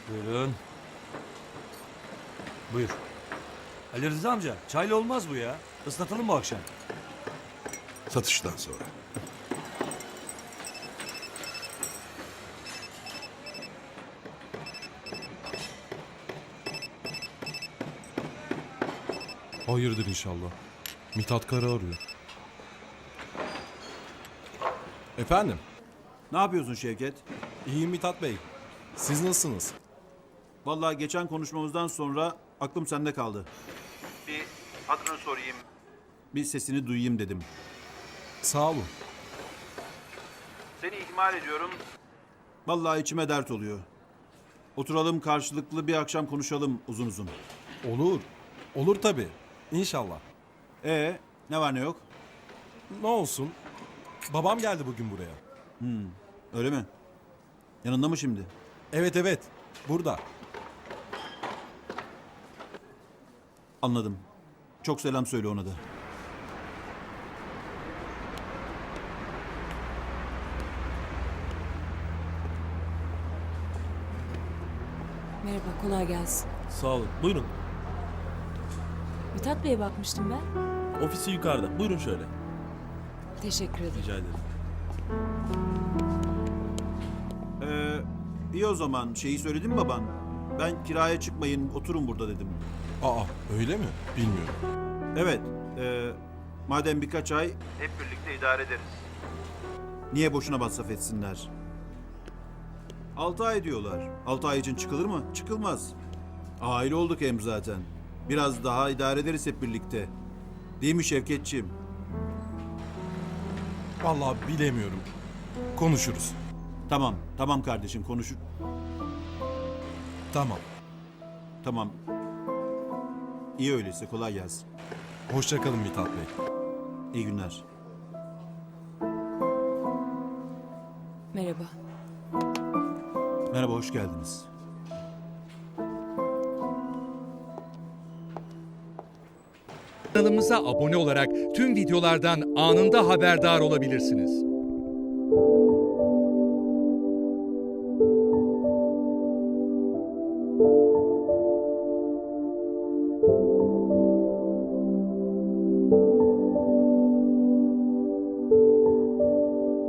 Buyurun. Buyur. Ali Rıza amca, çayla olmaz bu ya. Islatalım bu akşam. Satıştan sonra. Hayırdır inşallah. Mithat Kara arıyor. Efendim? Ne yapıyorsun Şevket? İyiyim Mithat Bey. Siz nasılsınız? Vallahi geçen konuşmamızdan sonra aklım sende kaldı. Bir adını sorayım. Bir sesini duyayım dedim. Sağ olun. Seni ihmal ediyorum. Vallahi içime dert oluyor. Oturalım karşılıklı bir akşam konuşalım uzun uzun. Olur. Olur tabii. İnşallah. Ne var ne yok? Ne olsun? Babam geldi bugün buraya. Öyle mi? Yanında mı şimdi? Evet. Burada. Anladım. Çok selam söyle ona da. Merhaba, kolay gelsin. Sağ olun. Buyurun. Mithat Bey'e bakmıştım ben. Ofisi yukarıda. Buyurun şöyle. Teşekkür ederim. Rica ederim. İyi o zaman şeyi söyledim mi baban? Ben kiraya çıkmayın oturun burada dedim. Aa, öyle mi? Bilmiyorum. Evet. Madem birkaç ay hep birlikte idare ederiz. Niye boşuna masraf etsinler? 6 ay diyorlar. 6 ay için çıkılır mı? Çıkılmaz. Aile olduk hem zaten. Biraz daha idare ederiz hep birlikte. Değil mi Şevketçiğim? Vallahi bilemiyorum. Konuşuruz. Tamam kardeşim konuşur. Tamam. Tamam. İyi öyleyse kolay gelsin. Hoşça kalın Mithat Bey. İyi günler. Merhaba. Merhaba hoş geldiniz. Kanalımıza abone olarak tüm videolardan anında haberdar olabilirsiniz.